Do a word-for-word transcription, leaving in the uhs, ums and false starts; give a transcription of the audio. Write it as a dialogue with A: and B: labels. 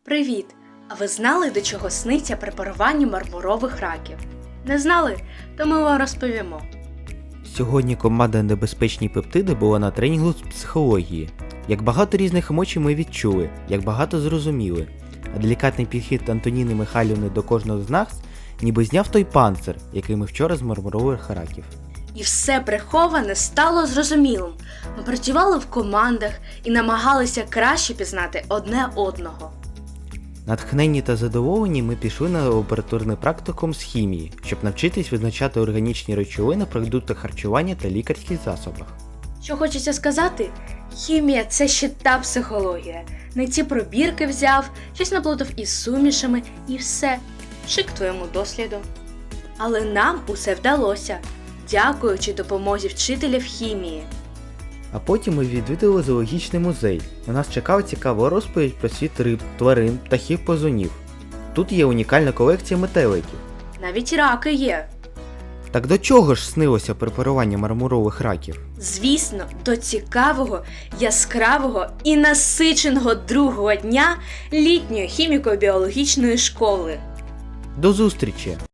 A: Привіт! А ви знали, до чого сниться препарування мармурових раків? Не знали? То ми вам розповімо.
B: Сьогодні команда «Небезпечні пептиди» була на тренінгу з психології. Як багато різних емоцій ми відчули, як багато зрозуміли. А делікатний підхід Антоніни Михайлівни до кожного з нас ніби зняв той панцир, який ми вчора з мармурових раків.
A: І все приховане стало зрозумілим. Ми працювали в командах і намагалися краще пізнати одне одного.
B: Натхненні та задоволені ми пішли на лабораторний практикум з хімії, щоб навчитись визначати органічні речовини в продуктах харчування та лікарських засобах.
A: Що хочеться сказати? Хімія – це ще та психологія. Не ці пробірки взяв, щось наплутав із сумішами і все. Шик твоєму досліду. Але нам усе вдалося, дякуючи допомозі вчителів хімії.
B: А потім ми відвідали зоологічний музей. На нас чекала цікава розповідь про світ риб, тварин, птахів, позунів. Тут є унікальна колекція метеликів.
A: Навіть раки є.
B: Так до чого ж снилося препарування мармурових раків?
A: Звісно, до цікавого, яскравого і насиченого другого дня літньої хіміко-біологічної школи.
B: До зустрічі!